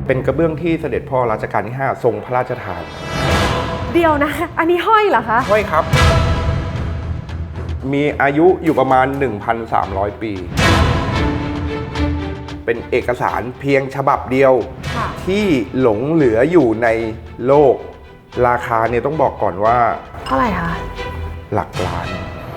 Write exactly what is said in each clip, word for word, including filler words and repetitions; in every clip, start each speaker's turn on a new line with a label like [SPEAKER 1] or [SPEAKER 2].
[SPEAKER 1] เป็นกระเบื้องที่เสด็จพ่อรัชกาลที่ห้าทรงพระราชทาน
[SPEAKER 2] เดียวนะอันนี้ห้อยเหรอคะ
[SPEAKER 1] ห้อยครับมีอายุอยู่ประมาณ หนึ่งพันสามร้อย ปีเป็นเอกสารเพียงฉบับเดียวที่หลงเหลืออยู่ในโลกราคาเนี่ยต้องบอกก่อนว่า
[SPEAKER 2] เท่าไหร่คะ
[SPEAKER 1] หลักล้าน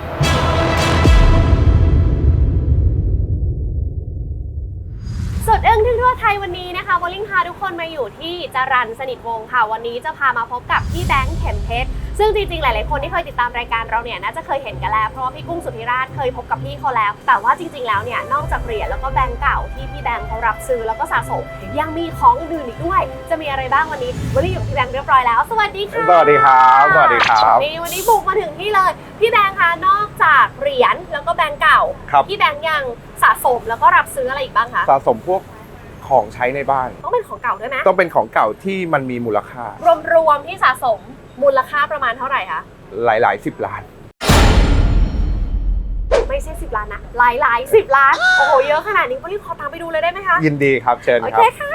[SPEAKER 2] สดอึ้งทึ่งทั่วไทยวันนี้นะคะวอลลิ่งพาทุกคนมาอยู่ที่จรัญสนิทวงศ์ค่ะวันนี้จะพามาพบกับพี่แบงค์เข็มเพชรซึ่งจริงๆหลายๆคนที่เคยติดตามรายการเราเนี่ยน่าจะเคยเห็นกันแล้วเพราะว่าพี่กุ้งสุธิราชเคยพบกับพี่เขาแล้วแต่ว่าจริงๆแล้วเนี่ยนอกจากเหรียญแล้วก็แบงค์เก่าที่พี่แบงค์เขารับซื้อแล้วก็สะสมยังมีของอื่นๆอีกด้วยจะมีอะไรบ้างวันนี้วันนี้อยู่กับพี่แบงค์เรียบร้อยแล้วสวัสดีค่ะ
[SPEAKER 1] สวัสดีครับสวัสดีครับ
[SPEAKER 2] นี่วันนี้บุกมาถึงที่เลยพี่แบงค์คะนอกจากเหรียญแล้วก็แบงค์เก่าพี่แบงค์ยังสะสมแล้วก็รับซื้ออะไรอีกบ้างคะ
[SPEAKER 1] สะสมพวกของใช้ในบ้าน
[SPEAKER 2] ต้องเป็นของเก่าด้วยไหม
[SPEAKER 1] ต้องเป็นของเก่าที่มันมีมูลค่
[SPEAKER 2] ารวมๆที่สะสมมูลค่าประมาณเท่าไหร่คะ
[SPEAKER 1] หลายๆสิบล้าน
[SPEAKER 2] ไม่ใช่สิบล้านนะหลายๆสิบล้านโอ้โหเยอะขนาดนี้ก็รีบขอตามไปดูเลยได้ไหมคะ
[SPEAKER 1] ยินดีครับเชิญครับ
[SPEAKER 2] โอเคค่ะ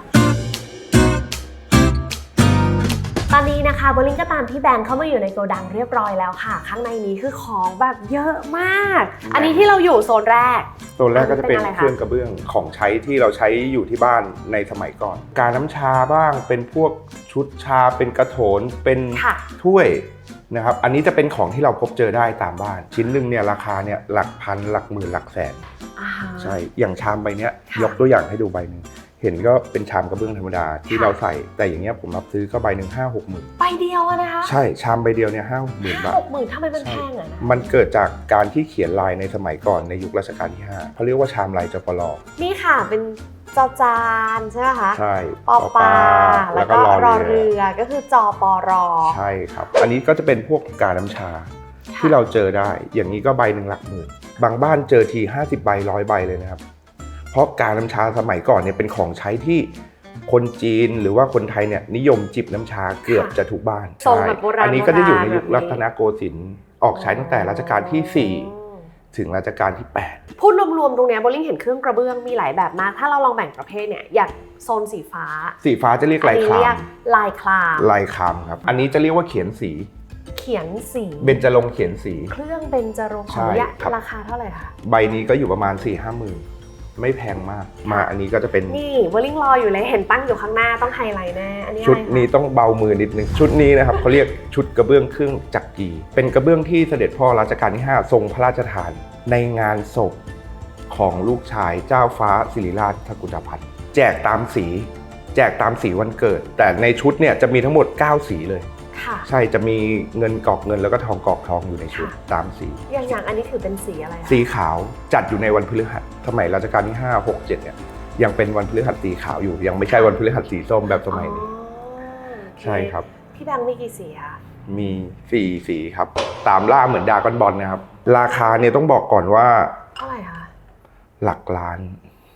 [SPEAKER 2] ตอนนี้นะคะโบลิ่งก็ตามพี่แบงค์เข้ามาอยู่ในโกดังเรียบร้อยแล้วค่ะข้างในนี้คือของแบบเยอะมากอันนี้ที่เราอยู่โซนแรก
[SPEAKER 1] โซนแรกก็จะเป็นเครื่องกระเบื้องของใช้ที่เราใช้อยู่ที่บ้านในสมัยก่อนการน้ำชาบ้างเป็นพวกชุดชาเป็นกระโถนเป็นถ้วยนะครับอันนี้จะเป็นของที่เราพบเจอได้ตามบ้านชิ้นหนึ่งเนี่ยราคาเนี่ยหลักพันหลักหมื่นหลักแสนใช่อย่างชามใบเนี้ยยกตัวอย่างให้ดูใบหนึ่งเห็นก็เป็นชามกระเบื้องธรรมดาที่เราใส่แต่อย่างเงี้ยผมรับซื้อก็ใบหนึ่งห้าหกหมื่น
[SPEAKER 2] ใบเดียวนะคะ
[SPEAKER 1] ใช่ชามใบเดียวเนี่ยห้าหกหมื่นบาท
[SPEAKER 2] หกหมื่นทำไมมันแพงอ่ะนะ
[SPEAKER 1] มันเกิดจากการที่เขียนลายในสมัยก่อนในยุครัชกาลที่ห้าเขาเรียกว่าชามลายจปร
[SPEAKER 2] นี่ค่ะเป็นจอจานใช่ไหมคะ
[SPEAKER 1] ใช่
[SPEAKER 2] ปอปาแล้วก็รอเรือก็คือจอปร
[SPEAKER 1] ใช่ครับอันนี้ก็จะเป็นพวกกาน้ำชาที่เราเจอได้อย่างนี้ก็ใบหนึ่งหลักหมื่นบางบ้านเจอทีห้าสิบใบร้อยใบเลยนะครับเพราะกาน้ำชาสมัยก่อนเนี่ยเป็นของใช้ที่คนจีนหรือว่าคนไทยเนี่ยนิยมจิบน้ำชาเกือบจะทุกบ้าน
[SPEAKER 2] ใช่
[SPEAKER 1] อันนี้ก็จะอยู่ในยุครัตนโกสินทร์ออกใช้ตั้งแต่รัชกาลที่สี่ถึงรัชกาลที่แปด
[SPEAKER 2] พูดรวมๆตรงนี้โบลิ่งเห็นเครื่องกระเบื้องมีหลายแบบมากถ้าเราลองแบ่งประเภทเนี่ยอย่างโซนสีฟ้า
[SPEAKER 1] สีฟ้าจะเรียกลายคลาม
[SPEAKER 2] ลายคลาม
[SPEAKER 1] ลายคลามครับอันนี้จะเรียกว่าเขียนสี
[SPEAKER 2] เขียนสี
[SPEAKER 1] เบญจรงค์เขียนสี
[SPEAKER 2] เครื่องเบญจรงค์ของยะราคาเท่าไหร่คะ
[SPEAKER 1] ใบนี้ก็อยู่ประมาณ สี่ห้าหมื่นไม่แพงมากมาอันนี้ก็จะเป็น
[SPEAKER 2] นี่โบลิ่งรออยู่เลยเห็นตั้งอยู่ข้างหน้าต้องไฮไลท์แน่อันนี้
[SPEAKER 1] ชุดนี้ต้องเบามือนิดนึงชุดนี้นะครับเขาเรียกชุดกระเบื้องเครื่องจักรีเป็นกระเบื้องที่เสด็จพ่อรัชกาลที่ห้าทรงพระราชทานในงานศพของลูกชายเจ้าฟ้าสิริราชทกุฎพัฒน์แจกตามสีแจกตามสีวันเกิดแต่ในชุดเนี่ยจะมีทั้งหมดเก้าสีเลยใช่จะมีเงินกอกเงินแล้วก็ทองกอกทองอยู่ในชุดตามสี
[SPEAKER 2] อย่างอย่างอันนี้ถือเป็นสีอะไร
[SPEAKER 1] สีขาวจัดอยู่ในวันพฤหัสสมัยรัชกาลที่ห้า หก เจ็ดเนี่ยยังเป็นวันพฤหัสสีขาวอยู่ยังไม่ใช่วันพฤหัสสีส้มแบบสมัยนี้ใช่ครับ
[SPEAKER 2] พี่แบงค์มีกี่สีคะ
[SPEAKER 1] มีสี่สีครับตามล่าเหมือนดากอนบอลนะครับราคาเนี่ยต้องบอกก่อนว่า
[SPEAKER 2] เท่าไหร่คะ
[SPEAKER 1] หลักล้าน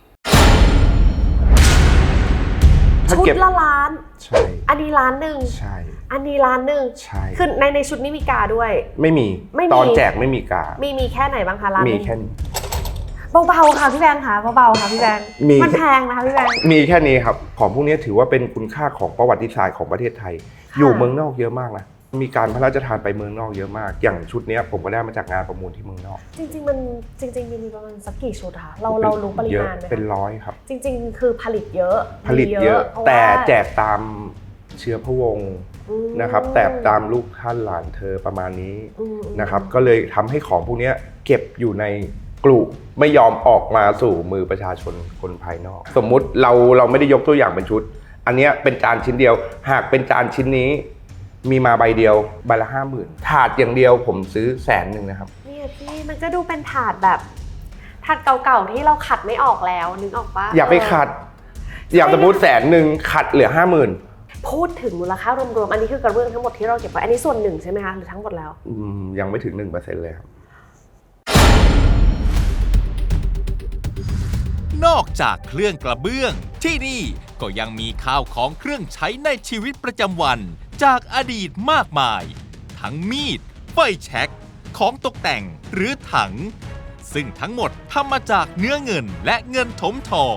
[SPEAKER 2] ชุดละล้าน
[SPEAKER 1] ใช่
[SPEAKER 2] อันนี้ล้านหนึ่ง
[SPEAKER 1] ใช่
[SPEAKER 2] อันนี้ล้านหนึ่ง
[SPEAKER 1] ใช่
[SPEAKER 2] คือในในชุดนี้มีกาด้วย
[SPEAKER 1] ไม่มีตอนแจกไม่มีกา
[SPEAKER 2] มีมีแค่ไหนบ้างคะล้าน
[SPEAKER 1] มีแค่นี้
[SPEAKER 2] เบาๆค่ะพี่แบงค์ค่ะเบาๆค่ะพี่แบงค์มันแพงนะคะพี่แบงค์
[SPEAKER 1] มีแค่นี้ครับของพวกนี้ถือว่าเป็นคุณค่าของประวัติศาสตร์ของประเทศไทยอยู่เมืองนอกเยอะมากนะมีการพระราชทานไปเมืองนอกเยอะมากอย่างชุดนี้ผมก็ได้มาจากงานประมูลที่เมืองนอก
[SPEAKER 2] จริงๆมันจริงๆมีประมาณสักกี่ชุดคะเราเรารู้ปริมาณไหม
[SPEAKER 1] เป็นร้อยครับ
[SPEAKER 2] จริงๆคือผลิตเยอะ
[SPEAKER 1] ผลิตเยอะแต่แจกตามเชื้อพระวงศ์นะครับแต่ตามลูกท่านหลานเธอประมาณนี้นะครับก็เลยทำให้ของพวกนี้เก็บอยู่ในกลุ่มไม่ยอมออกมาสู่มือประชาชนคนภายนอกสมมุติเราเราไม่ได้ยกตัวอย่างเป็นชุดอันนี้เป็นจานชิ้นเดียวหากเป็นจานชิ้นนี้มีมาใบเดียวใบละห้าหมื่นถาดอย่างเดียวผมซื้อแสนหนึ่งนะครับ
[SPEAKER 2] เนี่ยพี่มันก็ดูเป็นถาดแบบถาดเก่าๆที่เราขัดไม่ออกแล้วนึกออกปะ
[SPEAKER 1] อย่าไปขัดอย่างสมมติแสนหนึ่งขัดเหลือห้าหมื่น
[SPEAKER 2] พูดถึงมูลค่ารวมๆอันนี้คือกระเบื้องทั้งหมดที่เราเก็บไว้อันนี้ส่วนหนึ่งใช่ไหมคะหรือทั้งหมดแล้ว
[SPEAKER 1] อืมยังไม่ถึง หนึ่งเปอร์เซ็นต์ เลยครับ
[SPEAKER 3] นอกจากเครื่องกระเบื้องที่นี่ก็ยังมีข้าวของเครื่องใช้ในชีวิตประจำวันจากอดีตมากมายทั้งมีดไฟแช็กของตกแต่งหรือถังซึ่งทั้งหมดทำมาจากเนื้อเงินและเงินถมทอง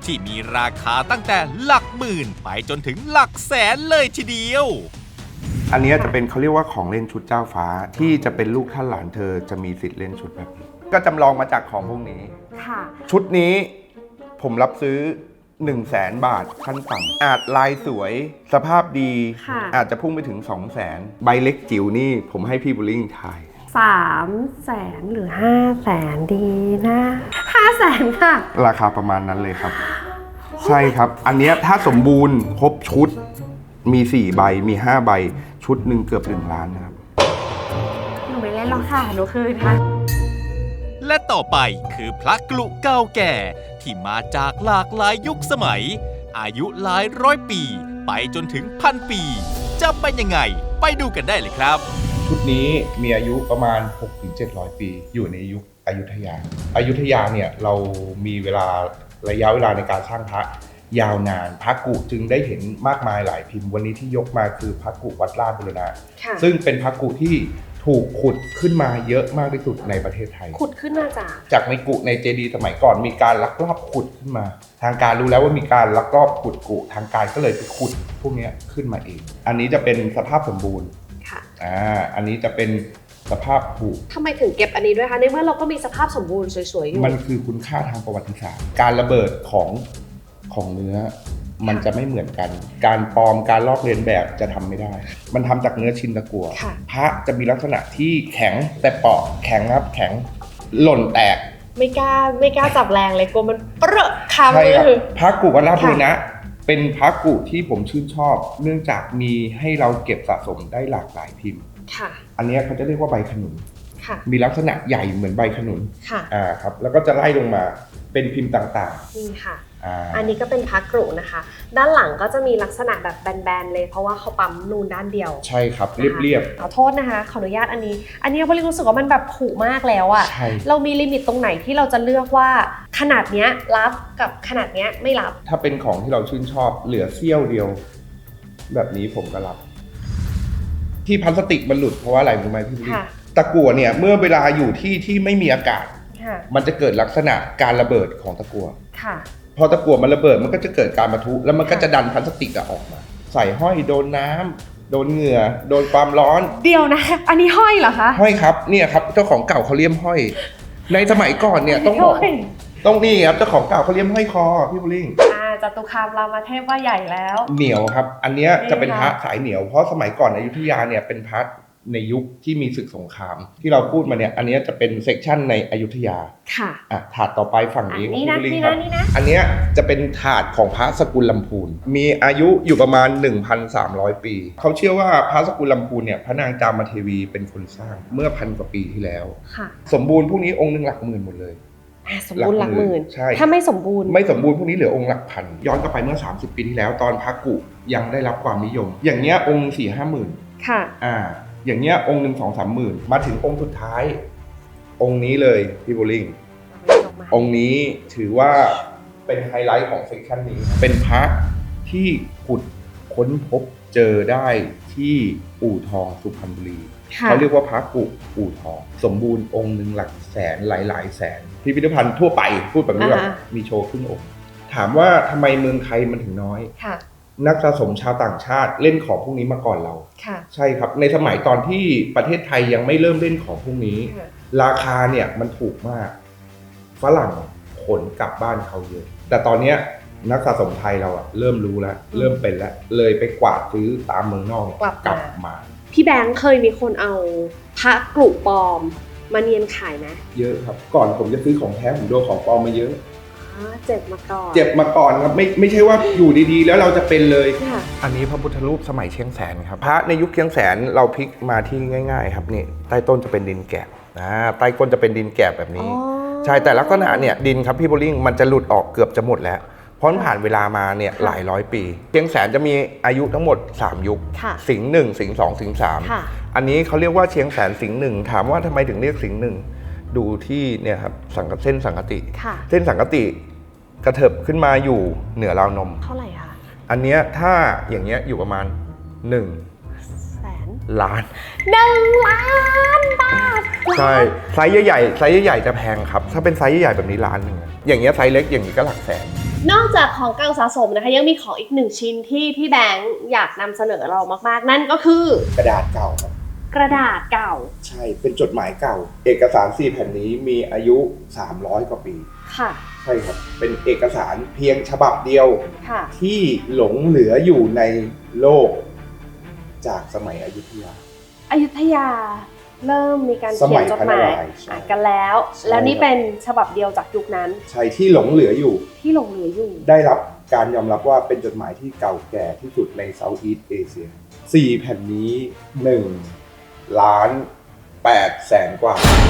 [SPEAKER 3] ที่มีราคาตั้งแต่หลักหมื่นไปจนถึงหลักแสนเลยทีเดียว
[SPEAKER 1] อันนี้จะเป็นเขาเรียกว่าของเล่นชุดเจ้าฟ้าที่จะเป็นลูกท่านหลานเธอจะมีสิทธิ์เล่นชุดแบบนี้ก็จำลองมาจากของพวกนี้
[SPEAKER 2] ค่ะ
[SPEAKER 1] ชุดนี้ผมรับซื้อ1 0 0 0 0แสนบาทขั้นต่ำอาจลายสวยสภาพดี
[SPEAKER 2] ค่ะ
[SPEAKER 1] อาจจะพุ่งไปถึง 2 0 0 0 0 0 ใบเล็กจิ๋วนี่ผมให้พี่บุลลิงทาย
[SPEAKER 2] สามแสนหรือห้าแสนดีนะห้าแสนค่ะ
[SPEAKER 1] ราคาประมาณนั้นเลยครับ ใช่ครับ อันเนี้ยถ้าสมบูรณ์ครบชุดมีสี่ใบมีห้าใบชุดหนึ่งเกือบหนึ่งล้านนะครับ
[SPEAKER 2] หนูไม่เล่นหรอกค่ะ หนูคืนค่ะ
[SPEAKER 3] และต่อไปคือพระกลุเก่าแก่ที่มาจากหลากหลายยุคสมัย อายุหลายร้อยปีไปจนถึงพันปี จะเป็นยังไงไปดูกันได้เลยครับ
[SPEAKER 1] ชุดนี้มีอายุประมาณ หกถึงเจ็ดร้อย ปีอยู่ในยุคอยุธยาอยุธยาเนี่ยเรามีเวลาระยะเวลาในการสร้างพระยาวนานพระกุจึงได้เห็นมากมายหลายพิมพ์วันนี้ที่ยกมาคือพระกุวัดราชบุรณะ
[SPEAKER 2] ค่ะ
[SPEAKER 1] ซึ่งเป็นพระกุที่ถูกขุดขึ้นมาเยอะมากที่สุดในประเทศไทย
[SPEAKER 2] ขุดขึ้นมาจาก
[SPEAKER 1] จากในกุในเจดีย์สมัยก่อนมีการลักลอบขุดขึ้นมา ทางการรู้แล้วว่ามีการลักลอบขุดกุทางการก็เลยไปขุดพวกนี้ขึ้นมาเอง อันนี้จะเป็นสภาพสมบูรณ์
[SPEAKER 2] ค่ะ
[SPEAKER 1] อ่าอันนี้จะเป็นสภาพผุ
[SPEAKER 2] ทำไมถึงเก็บอันนี้ด้วยคะ ในเมื่อเราก็มีสภาพสมบูรณ์สวยๆอยู่
[SPEAKER 1] มันคือคุณค่าทางประวัติศาสตร์ การระเบิดของของเนื้อ มันจะไม่เหมือนกัน การปลอมการลอกเลียนแบบจะทำไม่ได้ มันทำจากเนื้อชิ้นตะกั่ว
[SPEAKER 2] ค่ะ
[SPEAKER 1] พระจะมีลักษณะที่แข็งแต่เปราะแข็งครับแข็งหล่นแตก
[SPEAKER 2] ไม่กล้าไม่กล้าจับแรงเลยกลัวมันเปรอะคา
[SPEAKER 1] ใช่
[SPEAKER 2] มื
[SPEAKER 1] ครับ
[SPEAKER 2] อ
[SPEAKER 1] พระกุวัดราชบุรณะเป็นพระกุที่ผมชื่นชอบ เนื่องจากมีให้เราเก็บสะสมได้หลากหลายพิมพ์
[SPEAKER 2] ค่ะ
[SPEAKER 1] อันเนี้ยเขาจะเรียกว่าใบขนุน
[SPEAKER 2] ค่ะ
[SPEAKER 1] มีลักษณะใหญ่เหมือนใบขนุน
[SPEAKER 2] ค่ะ
[SPEAKER 1] อ่าครับแล้วก็จะไล่ลงมาเป็นพิมพ์ต่าง
[SPEAKER 2] นี่ค่ะ
[SPEAKER 1] ๆอ่า
[SPEAKER 2] อันนี้ก็เป็นพักกรุนะคะ ด้านหลังก็จะมีลักษณะแบบแบนๆเลย เพราะว่าเขาปั๊มนูนด้านเดียว
[SPEAKER 1] ใช่ครับ
[SPEAKER 2] นะคะ
[SPEAKER 1] เรียบ
[SPEAKER 2] ขอโทษนะคะ ขออนุญาตอันนี้ อันนี้บริรู้สึกว่ามันแบบผุมากแล้วอะ
[SPEAKER 1] ใช่
[SPEAKER 2] เรามีลิมิตตรงไหนที่เราจะเลือกว่าขนาดเนี้ยรับกับขนาดเนี้ยไม่รับ
[SPEAKER 1] ๆถ้าเป็นของที่เราชื่นชอบเหลือเสี้ยวเดียว แบบนี้ผมก็รับ ที่พลาสติกมันหลุดเพราะว่าอะไรรู้ไหมพี่พี่
[SPEAKER 2] ค่ะ
[SPEAKER 1] ตะกั่วเนี่ยเมื่อเวลาอยู่ที่ที่ไม่มีอากาศ
[SPEAKER 2] ค่ะ
[SPEAKER 1] มันจะเกิดลักษณะการระเบิดของตะกั่ว
[SPEAKER 2] ค่ะ
[SPEAKER 1] พอตะกั่วมันระเบิดมันก็จะเกิดการปะทุแล้วมันก็จะดันพลาสติกอะออกมา ใส่ห้อยโดนน้ำโดนเหงื่อโดนความร้อน
[SPEAKER 2] เดี๋ยวนะ อันนี้ห้อยเหรอคะ
[SPEAKER 1] ห้อยครับเนี่ยครับเจ้าของเก่าเขาเลี่ยมห้อย ในสมัยก่อนเนี่ยต้องบอก
[SPEAKER 2] ห้ย
[SPEAKER 1] ต้องนี่ครับเจ้าของเก่าเขาเลี่ยมห้อยคอพี่บุลิง
[SPEAKER 2] อ่าจตุคามรามเทพว่าใหญ่แล้ว
[SPEAKER 1] เหนียวครับ อันเนี้ย
[SPEAKER 2] นี่
[SPEAKER 1] จะเป็นพระ
[SPEAKER 2] ค่ะ
[SPEAKER 1] สายเหนียวเพราะสมัยก่อนอยุธยาเนี่ยเป็นพระในยุคที่มีศึกสงคราม ที่เราพูดมาเนี่ยอันเนี้ยจะเป็นเซกชันในอยุธยา
[SPEAKER 2] ค่ะ
[SPEAKER 1] อ่ะถาดต่อไปฝั่ง
[SPEAKER 2] อัน
[SPEAKER 1] นี้
[SPEAKER 2] นี้
[SPEAKER 1] พี่
[SPEAKER 2] นะ
[SPEAKER 1] บุลิง
[SPEAKER 2] นี่
[SPEAKER 1] ครั
[SPEAKER 2] นะ
[SPEAKER 1] บ
[SPEAKER 2] นี่นะ
[SPEAKER 1] อันเนี้ยจะเป็นถาดของพระสกุลลำพูน มีอายุอยู่ประมาณ หนึ่งพันสามร้อย ปี เขาเชื่อว่าพระสกุลลำพูนเนี่ยพระนางจามเทวีเป็นคนสร้างเมื่อพันกว่าปีที่แล้ว
[SPEAKER 2] ค่ะ
[SPEAKER 1] สมบูรณ์พวกนี้องค์หนึ่งหลักหมื่นหมดเลย
[SPEAKER 2] อ่าสมบูรณ์หลักหมื่น
[SPEAKER 1] ใช่
[SPEAKER 2] ถ้าไม่สมบูรณ์
[SPEAKER 1] ไม่สมบูรณ์พวกนี้เหลือองค์หลักพัน ย้อนกลับไปเมื่อ สามสิบ ปีที่แล้วตอนพระกุยังได้รับความนิยม อย่างเงี้ยองค์สี่ห้าหมื่น
[SPEAKER 2] ค่ะ
[SPEAKER 1] อ่า อย่างเงี้ยองค์หนึ่งสองสามหมื่นมาถึงองค์สุดท้าย องค์นี้เลยพี่โบลิ่ง องค์นี้ถือว่าเป็นไฮไลท์ของเซกชันนี้ เป็นพระที่ขุดค้นพบเจอได้ที่อู่ทองสุพรรณบุรี
[SPEAKER 2] ค่ะ
[SPEAKER 1] เขาเรียกว่าพระกุอู่ทอง สมบูรณ์องค์หนึ่งหลักแสนหลายๆแสน พิพิธภัณฑ์ทั่วไปพูดแบบนี้แบบ
[SPEAKER 2] อ่า
[SPEAKER 1] มีโชว์ครึ่งองค์ ถามว่าทำไมเมืองไทยมันถึงน้อย
[SPEAKER 2] ค่ะ
[SPEAKER 1] นักสะสมชาวต่างชาติเล่นของพวกนี้มาก่อนเรา
[SPEAKER 2] ค่ะ
[SPEAKER 1] ใช่ครับ ในสมัยตอนที่ประเทศไทยยังไม่เริ่มเล่นของพวกนี้
[SPEAKER 2] ค่ะ
[SPEAKER 1] ราคาเนี่ยมันถูกมาก ฝรั่งขนกลับบ้านเขาเยอะ แต่ตอนเนี้ยนักสะสมไทยเราอะเริ่มรู้แล้ว เริ่มเป็นแล้ว เลยไปกวาดซื้อตามเมืองนอก
[SPEAKER 2] กลับมา
[SPEAKER 1] กลับมา
[SPEAKER 2] พี่แบงค์เคยมีคนเอาพระกรุปลอมมาเนียนขายไหม
[SPEAKER 1] เยอะครับ ก่อนผมจะซื้อของแท้ผมโดนของปลอมมาเยอะ
[SPEAKER 2] อ๋อเจ็บมาก่อน
[SPEAKER 1] เจ็บมาก่อนครับไม่ไม่ใช่ว่าอยู่ดีๆ แล้วเราจะเป็นเลย
[SPEAKER 2] ค่ะ
[SPEAKER 1] อันนี้พระพุทธรูปสมัยเชียงแสนครับพระในยุคเชียงแสนเราพลิกมาที่ง่าย ๆ ครับนี่ใต้ต้นจะเป็นดินแกะนะใต้ก้นจะเป็นดินแกะแบบนี้
[SPEAKER 2] อ๋อ
[SPEAKER 1] ใช่แต่ลักษณะเนี่ยดินครับพี่โบลิ่งมันจะหลุดออกเกือบจะหมดแล้วเพราะมันผ่านเวลามาเนี่ยหลายร้อยปีเชียงแสนจะมีอายุทั้งหมดสามยุค
[SPEAKER 2] ค่ะ
[SPEAKER 1] สิงห์หนึ่งสิงห์สองสิงห์สาม
[SPEAKER 2] ค่ะ
[SPEAKER 1] อันนี้เขาเรียกว่าเชียงแสนสิงห์หนึ่งถามว่าทำไมถึงเรียกสิงห์หนึ่งดูที่เนี่ยครับสังกเส้นสังกติ
[SPEAKER 2] ค่ะ
[SPEAKER 1] เส้นสังกติกระเถิบขึ้นมาอยู่เหนือราวนม
[SPEAKER 2] เท่าไหร่คะ
[SPEAKER 1] อันเนี้ยถ้าอย่างเงี้ยอยู่ประมาณหนึ่ง
[SPEAKER 2] แสน
[SPEAKER 1] ล้าน
[SPEAKER 2] หนึ่งล้านบาท
[SPEAKER 1] ใช่ไซส์ใหญ่ๆไซส์ใหญ่ๆจะแพงครับถ้าเป็นไซส์ใหญ่ๆแบบนี้ล้านหนึ่งอะอย่างเงี้ยไซส์เล็กอย่างนี้ก็หลักแสน
[SPEAKER 2] นอกจากของเก่าสะสมนะคะยังมีของอีกหนึ่งชิ้นที่พี่แบงค์อยากนำเสนอเรามากๆนั่นก็คือก
[SPEAKER 1] ระดาษเก่าครับ
[SPEAKER 2] กระดาษเก่า
[SPEAKER 1] ใช่เป็นจดหมายเก่า เอกสารสี่แผ่นนี้มีอายุสามร้อยกว่าปี
[SPEAKER 2] ค่ะ
[SPEAKER 1] ใช่ครับเป็นเอกสารเพียงฉบับเดียว
[SPEAKER 2] ค่ะ
[SPEAKER 1] ที่หลงเหลืออยู่ในโลกจากสมัยอยุธยา
[SPEAKER 2] อยุธยาเริ่มมีการ
[SPEAKER 1] สมั
[SPEAKER 2] เขีย
[SPEAKER 1] ย
[SPEAKER 2] นจดหมาย
[SPEAKER 1] พระนารายณ์ใช่
[SPEAKER 2] อ่านกันแล้ว
[SPEAKER 1] ใช่
[SPEAKER 2] แล้วนี่เป็นฉบับเดียวจากยุคนั้น
[SPEAKER 1] ใช่ที่หลงเหลืออยู่
[SPEAKER 2] ที่หลงเหลืออยู่
[SPEAKER 1] ได้รับการยอมรับว่าเป็นจดหมายที่เก่าแก่ที่สุดในเซาท์อีสต์เอเชียสี่แผ่นนี้หนึ่งล้านแปดแสนกว่า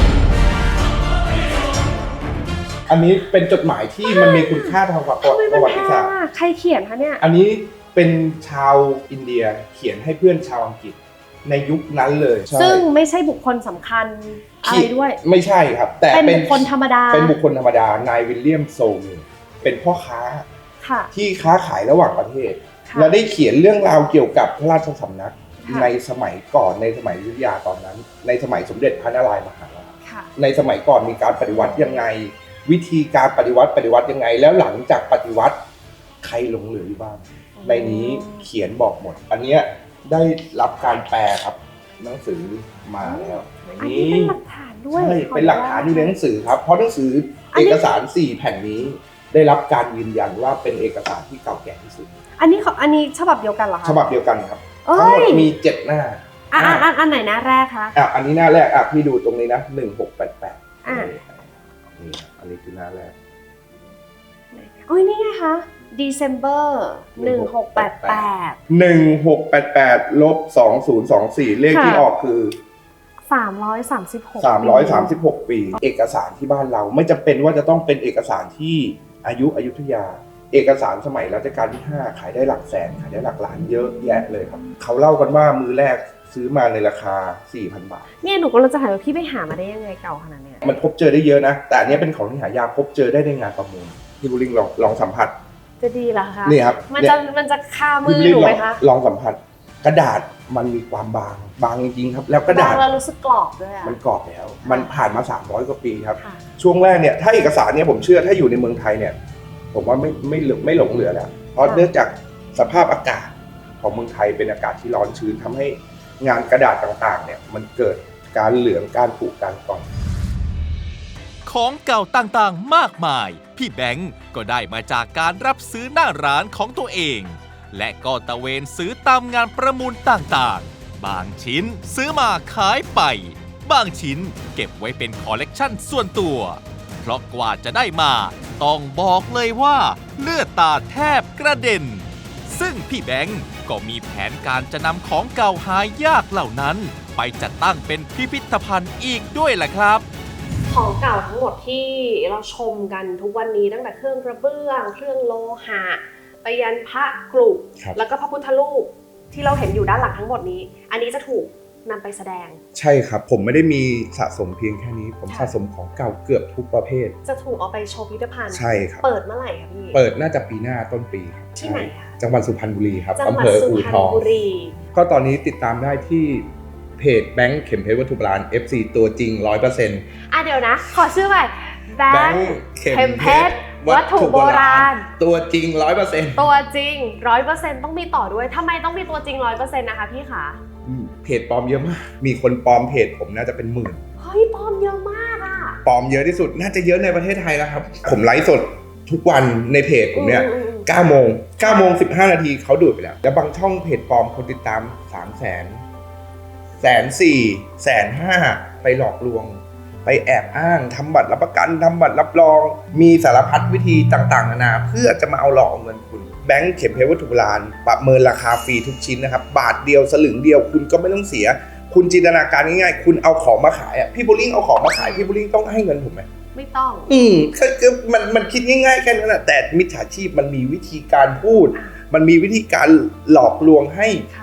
[SPEAKER 1] อันนี้เป็นจดหมายที่มันมีคุณค่าทางประ
[SPEAKER 2] ทำไม
[SPEAKER 1] ป
[SPEAKER 2] มัน
[SPEAKER 1] ระวั
[SPEAKER 2] แพ
[SPEAKER 1] ติ
[SPEAKER 2] ง
[SPEAKER 1] ศาสตร์
[SPEAKER 2] อ่ะใครเขียนคะเนี่ย
[SPEAKER 1] อันนี้เป็นชาวอินเดียเขียนให้เพื่อนชาวอังกฤษในยุคนั้นเลยใช่
[SPEAKER 2] ซึ่งไม่ใช่บุคคลสำคัญอะไรด้วย
[SPEAKER 1] ไม่ใช่ครับ แต่
[SPEAKER 2] เป็น
[SPEAKER 1] เป็น
[SPEAKER 2] บุคคลธรรมดา
[SPEAKER 1] เป็นบุคคลธรรมดานายวิลเลียมโซลมีเป็นพ่อค้า
[SPEAKER 2] ค่ะ
[SPEAKER 1] ที่ค้าขายระหว่างประเทศ
[SPEAKER 2] ค่ะ
[SPEAKER 1] และได้เขียนเรื่องราวเกี่ยวกับพระราชสำนัก
[SPEAKER 2] ค่ะ
[SPEAKER 1] ในสมัยก่อนในสมัยอยุธยาตอนนั้น ในสมัยสมเด็จพระนารายณ์มหาราช
[SPEAKER 2] ค่ะ
[SPEAKER 1] ในสมัยก่อนมีการปฏิวัติยังไง วิธีการปฏิวัติปฏิวัติยังไง แล้วหลังจากปฏิวัติใครหลงเหลืออยู่บ้างในนี้เขียนบอกหมด อันเนี้ยได้รับการแปลครับหนังสือมาแล้วใน
[SPEAKER 2] อันนี้
[SPEAKER 1] นี้
[SPEAKER 2] เป็นหลักฐานด้วย
[SPEAKER 1] ใช่เป็นหลักฐานอยู่ในหนังสือครับเพราะหนังสืออน
[SPEAKER 2] นี้
[SPEAKER 1] เอกสารสี่แผ่นนี้ ได้รับการยืนยันว่าเป็นเอกสารที่เก่าแก่ที่สุด
[SPEAKER 2] อันนี้ของอันนี้ฉบับเดียวกันเหรอคะ
[SPEAKER 1] ฉบับเดียวกันครับ
[SPEAKER 2] เอ้ย
[SPEAKER 1] ทั้งหมดมีเจ็ดหน้า
[SPEAKER 2] อ่ะอ่ะอ่ะอันไหนหน้าแรกคะ
[SPEAKER 1] อ่ะอันนี้หน้าแรกอ่ะพี่ดูตรงนี้นะหนึ่งหกแปดแปด
[SPEAKER 2] อ่ะ
[SPEAKER 1] นี่ครับอันนี้คือหน้าแรก
[SPEAKER 2] โอ้ยนี่ไงคะ December หนึ่งหกแปดแปด
[SPEAKER 1] หนึ่งหกแปดแปดลบสองศูนย์สองสี่เลขที่
[SPEAKER 2] ค่ะ
[SPEAKER 1] ออกคือ
[SPEAKER 2] สามร้อยสามสิบหก
[SPEAKER 1] สามร้อยสามสิบหกปี เอกสารที่บ้านเราไม่จำเป็นว่าจะต้องเป็นเอกสารที่อายุอยุธยา เอกสารสมัยรัชกาลที่ห้าขายได้หลักแสนขายได้หลักล้านเยอะแยะเลยครับเขาเล่ากันว่ามือแรกซื้อมาในราคา สี่พัน บาท
[SPEAKER 2] เนี่ยหนูก็เลยจะถามว่าพี่ไปหามาได้ยังไงเก่าขนาดเนี้ย
[SPEAKER 1] มันพบเจอได้เยอะนะ แต่อันนี้เป็นของที่หายากพบเจอได้ในงานประมูลพี่บุริงลองลองสัมผัส
[SPEAKER 2] จะดีเหรอคะ
[SPEAKER 1] นี่ครับ
[SPEAKER 2] มัน
[SPEAKER 1] เย
[SPEAKER 2] จะมันจะคามือ
[SPEAKER 1] พี่
[SPEAKER 2] ห
[SPEAKER 1] บุ
[SPEAKER 2] นู
[SPEAKER 1] ริ
[SPEAKER 2] ไหม
[SPEAKER 1] งลอง
[SPEAKER 2] คะ
[SPEAKER 1] ลองสัมผัส กระดาษมันมีความบางบางจริงๆครับ แล้วกระดาษ
[SPEAKER 2] บางแล้วรู้สึกกรอบด้วยอะ
[SPEAKER 1] มันกรอบแล้ว มันผ่านมาสามร้อยกว่าปีครับ
[SPEAKER 2] ค่ะ
[SPEAKER 1] ช่วงแรกเนี่ยถ้าเอกสารเนี่ยผมเชื่อถ้าอยู่ในเมืองไทยเนี่ยผมว่าไม่ไม่เหลือไม่หลงเหลือแล้วเพราะเนื่องจากสภาพอากาศของเมืองไทยเป็นอากาศที่ร้อนชื้นทำให้งานกระดาษต่างๆเนี่ยมันเกิดการเหลืองการผุการกร่อน
[SPEAKER 3] ของเก่าต่างๆ มากมาย พี่แบงก์ก็ได้มาจากการรับซื้อหน้าร้านของตัวเอง และก็ตะเวนซื้อตามงานประมูลต่างๆ บางชิ้นซื้อมาขายไป บางชิ้นเก็บไว้เป็นคอลเลกชันส่วนตัว เพราะกว่าจะได้มาต้องบอกเลยว่าเลือดตาแทบกระเด็น ซึ่งพี่แบงก์ก็มีแผนการจะนำของเก่าหายากเหล่านั้น ไปจัดตั้งเป็นพิพิธภัณฑ์อีกด้วยล่ะครับ
[SPEAKER 2] ของเก่าทั้งหมดที่เราชมกันทุกวันนี้ตั้งแต่เครื่องกระเบื้องเครื่องโลหะไปยันพระกรุ
[SPEAKER 1] ครับ
[SPEAKER 2] แล้วก็พระพุทธรูปที่เราเห็นอยู่ด้านหลังทั้งหมดนี้ อันนี้จะถูกนำไปแสดง
[SPEAKER 1] ใช่ครับผมไม่ได้มีสะสมเพียงแค่นี้ ผม
[SPEAKER 2] ค่ะ
[SPEAKER 1] สะสมของเก่าเกือบทุกประเภท
[SPEAKER 2] จะถูกเอาไปโชว์พิพิธภัณฑ์
[SPEAKER 1] ใช่ครับ
[SPEAKER 2] เปิดเมื่อไหร่คะพี่
[SPEAKER 1] เปิดน่าจะปีหน้าต้นปีครับ
[SPEAKER 2] ที่ไหนคะ
[SPEAKER 1] จังหวัดสุพรรณบุรีครับ
[SPEAKER 2] จังห
[SPEAKER 1] อำ
[SPEAKER 2] วัด
[SPEAKER 1] เภอ
[SPEAKER 2] สุ
[SPEAKER 1] อู่
[SPEAKER 2] พรร
[SPEAKER 1] ท
[SPEAKER 2] ณ
[SPEAKER 1] อง
[SPEAKER 2] บุรี
[SPEAKER 1] ก็ตอนนี้ติดตามได้ที่เพจแบงค์เข็มเพชรวัตถุโบราณ เอฟ ซี ตัวจริง ร้อยเปอร์เซ็นต์
[SPEAKER 2] อ่ะเดี๋ยวนะ ขอชื่อใหม่แบ
[SPEAKER 1] แบ
[SPEAKER 2] ง
[SPEAKER 1] ง
[SPEAKER 2] ค์
[SPEAKER 1] ค์
[SPEAKER 2] เข็มเพชรวัตถุโบราณ
[SPEAKER 1] ตัวจริง ร้อยเปอร์เซ็นต์
[SPEAKER 2] ตัวจริงร้อยเปอร์เซ็นต์ต้องมีต่อด้วยทำไมต้องมีตัวจริงร้อยเปอร์เซ็นต์นะคะพี่คะ
[SPEAKER 1] เพจปลอมเยอะมาก มีคนปลอมเพจผมน่าจะเป็นหมื่น
[SPEAKER 2] เฮ้ยปลอมเยอะมากอ่ะ
[SPEAKER 1] ปลอมเยอะที่สุด น่าจะเยอะในประเทศไทยแล้วครับ ผมไลฟ์สดทุกวันในเพจผมเนี่ย
[SPEAKER 2] อืมอืมอืม
[SPEAKER 1] เก้าโมงเก้าโมงสิบห้านาทีเขาดูดไปแล้ว แล้วบางช่องเพจปลอมคนติดตาม สามแสน แสนสี่ แสนห้า ไปหลอกลวง ไปแอบอ้างทำบัตรรับประกันทำบัตรรับรอง มีสารพัดวิธีต่างๆนานาเพื่อจะมาเอาหลอกเอาเงินคุณ แบงค์เข็มเพชรวัตถุโบราณประเมินราคาฟรีทุกชิ้นนะครับ บาทเดียวสลึงเดียวคุณก็ไม่ต้องเสีย คุณจินตนาการง่ายๆ คุณเอาของมาขายอ่ะ พี่โบลิ่งเอาของมาขาย พี่โบลิ่งต้องให้เงินผมไหม
[SPEAKER 2] ไม่ต้อง
[SPEAKER 1] อืมคือคือมันมันคิดง่ายๆแค่นั้นแหละแต่มิจฉาชีพมันมีวิธีการพูด มันมีวิธีการหลอกลวงให้
[SPEAKER 2] ค่ะ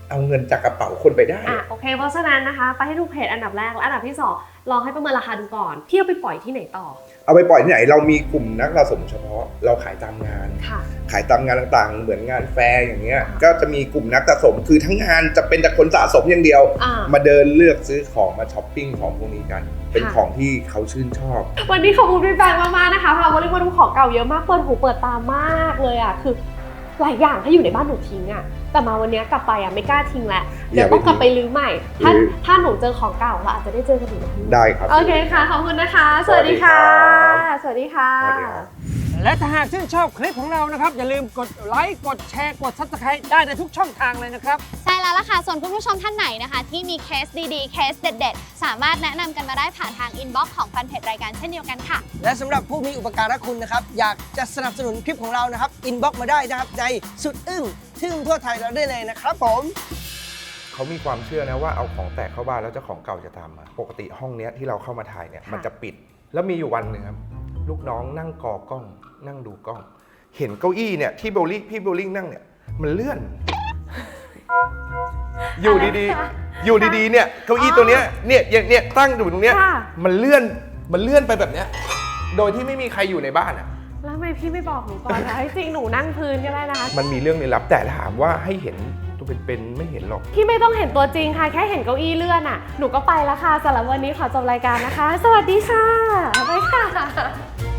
[SPEAKER 1] เอาเงินจากกระเป๋าคนไปได้
[SPEAKER 2] อ่ะโอเคเพราะฉะนั้นนะคะไปให้ดูเพจอันดับแรกและอันดับที่สองลองให้ประเมินราคาดูก่อนพี่เอาไปปล่อยที่ไหนต่อ
[SPEAKER 1] เอาไปปล่อยที่ไหนเรามีกลุ่มนักสะสมเฉพาะเราขายตามงาน
[SPEAKER 2] ค่ะ
[SPEAKER 1] ขายตามงานต่างๆ เหมือนงานแฟร์อย่างเงี้ย
[SPEAKER 2] ค่ะ
[SPEAKER 1] ก็จะมีกลุ่มนักสะสมคือทั้งงานจะเป็นแต่คนสะสมอย่างเดียว
[SPEAKER 2] อ่า
[SPEAKER 1] มาเดินเลือกซื้อของมาช้อปปิ้งของพวกนี้กัน เป็น
[SPEAKER 2] ค่ะ
[SPEAKER 1] ของที่เขาชื่นชอบ
[SPEAKER 2] วันนี้ขอบคุณพี่แบงค์มากๆนะคะพาวันนี้มาดูของเก่าเยอะมากเปิดหูเปิดตามากเลยอ่ะคือหลายอย่างถ้าอยู่ในบ้านหนูทิ้งอ่ะแต่มาวันนี้กลับไปอ่ะไม่กล้าทิ้งแล้วเดี๋ยวต้องกลับไปรื้อใหม่ถ้า
[SPEAKER 1] รื้อ
[SPEAKER 2] ถ้าหนูเจอของเก่าเราอาจจะได้เจอกันอีกนะพี่
[SPEAKER 1] ได้ครับ
[SPEAKER 2] โอเคค่ะขอบคุณนะคะ สวัสดีค่ะ สวัสดีค่ะ
[SPEAKER 1] สวัสดีครับ
[SPEAKER 4] และถ้าหากชื่นชอบคลิปของเรานะครับ อย่าลืมกดไลค์กดแชร์กด ซับสไครบ์ ได้ในทุกช่องทางเลยนะครับ
[SPEAKER 5] ใช่แล้วล่ะค่ะ ส่วนคุณผู้ชมท่านไหนนะคะ ที่มีเคสดีๆ เคสเด็ดๆ สามารถแนะนำกันมาได้ผ่านทางอินบ็อกซ์ของแฟนเพจรายการเช่นเดียวกันค่ะ
[SPEAKER 4] และสำหรับผู้มีอุปการะคุณนะครับ อยากจะสนับสนุนคลิปของเรานะครับ อินบ็อกซ์มาได้นะครับ ในสุดอึ้งทึ่งทั่วไทยเราได้เลยนะครับผม
[SPEAKER 1] เขามีความเชื่อนะว่าเอาของแตกเข้าบ้านแล้วเจ้าของเก่าจะตามมา ปกติห้องเนี้ยที่เราเข้ามาถ่ายเนี่ย
[SPEAKER 2] ค่ะ
[SPEAKER 1] มันจะปิด แล้วมีอยู่วันหนึ่งครับลูกน้องนั่งกอกล้อง นั่งดูกล้อง เห็นเก้าอี้เนี่ยที่โบลิ่งพี่โบลิ่งนั่งเนี่ยมันเลื่อน อยู่ดีๆ อยู่ดีๆเนี่ยเก้าอี้ตัวเนี้ยเนี่ยอย่างเนี่ยตั้งอยู่ตรงเนี้ย
[SPEAKER 2] ค่ะ
[SPEAKER 1] มันเลื่อนมันเลื่อนไปแบบเนี้ยโดยที่ไม่มีใครอยู่ในบ้านอ่ะ
[SPEAKER 2] แล้วทำไมพี่ไม่บอกหนูก่อนคะจริงหนูนั่งพื้นก็ได้นะคะ
[SPEAKER 1] มันมีเรื่องลี้ลับแต่ถามว่าให้เห็นตัวเป็นๆไม่เห็นหรอก
[SPEAKER 2] พี่ไม่ต้องเห็นตัวจริงค่ะ แค่เห็นเก้าอี้เลื่อนอ่ะ หนูก็ไปแล้วค่ะสำหรับวันนี้ขอจบรายการนะคะ สวัสดีค่ะ บ๊ายบายค่ะ